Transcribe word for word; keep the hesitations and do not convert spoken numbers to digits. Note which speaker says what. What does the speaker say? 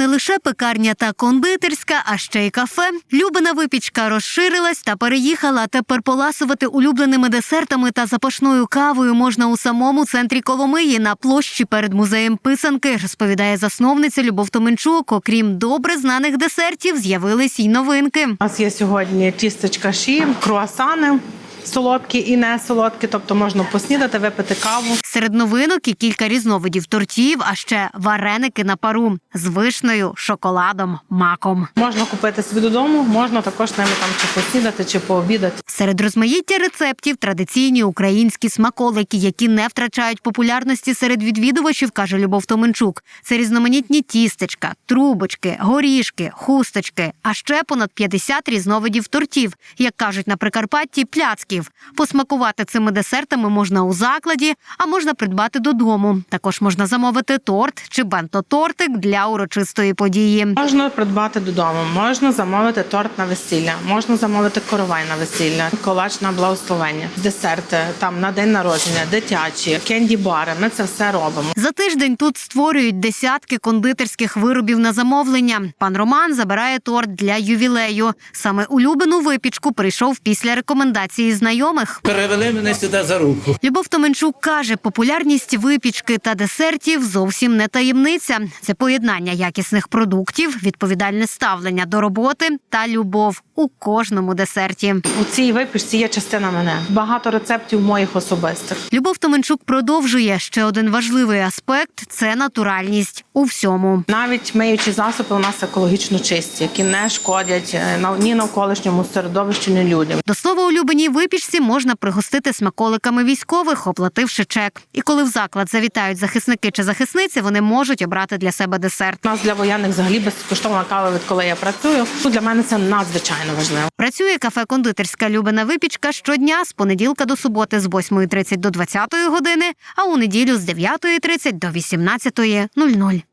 Speaker 1: не лише пекарня та кондитерська, а ще й кафе. Любина випічка розширилась та переїхала. Тепер поласувати улюбленими десертами та запашною кавою можна у самому центрі Коломиї на площі перед музеєм писанки, розповідає засновниця Любов Томенчук. Окрім добре знаних десертів, з'явились й новинки.
Speaker 2: У нас є сьогодні тістечка ші, круасани. Солодкі і не солодкі, тобто можна поснідати, випити каву.
Speaker 1: Серед новинок і кілька різновидів тортів, а ще вареники на пару з вишнею, шоколадом, маком.
Speaker 2: Можна купити собі додому, можна також ними там чи поснідати, чи пообідати.
Speaker 1: Серед розмаїття рецептів традиційні українські смаколики, які не втрачають популярності серед відвідувачів, каже Любов Томенчук. Це різноманітні тістечка, трубочки, горішки, хусточки, а ще понад п'ятдесят різновидів тортів, як кажуть на Прикарпатті, пляцки. Посмакувати цими десертами можна у закладі, а можна придбати додому. Також можна замовити торт чи бенто-тортик для урочистої події.
Speaker 2: Можна придбати додому, можна замовити торт на весілля, можна замовити коровай на весілля, колач на благословення, десерти там на день народження, дитячі, кенді-бари. Ми це все робимо.
Speaker 1: За тиждень тут створюють десятки кондитерських виробів на замовлення. Пан Роман забирає торт для ювілею. Саме улюблену випічку прийшов після рекомендації знайомих.
Speaker 3: Перевели мене сюди за руку.
Speaker 1: Любов Томенчук каже, популярність випічки та десертів зовсім не таємниця. Це поєднання якісних продуктів, відповідальне ставлення до роботи та любов у кожному десерті.
Speaker 2: У цій випічці є частина мене. Багато рецептів моїх особистих.
Speaker 1: Любов Томенчук продовжує, ще один важливий аспект – це натуральність у всьому.
Speaker 2: Навіть миючі засоби у нас екологічно чисті, які не шкодять ні навколишньому середовищу, ні людям.
Speaker 1: До слова, улюбленій випічці можна пригостити смаколиками військових, оплативши чек. І коли в заклад завітають захисники чи захисниці, вони можуть обрати для себе десерт.
Speaker 2: У нас для воєнних взагалі безкоштовна кава, відколи я працюю. Для мене це надзвичайно важливо.
Speaker 1: Працює кафе-кондитерська Любина випічка щодня з понеділка до суботи з восьмої тридцять до двадцятої години, а у неділю з дев'ятої тридцять до вісімнадцятої нуль нуль.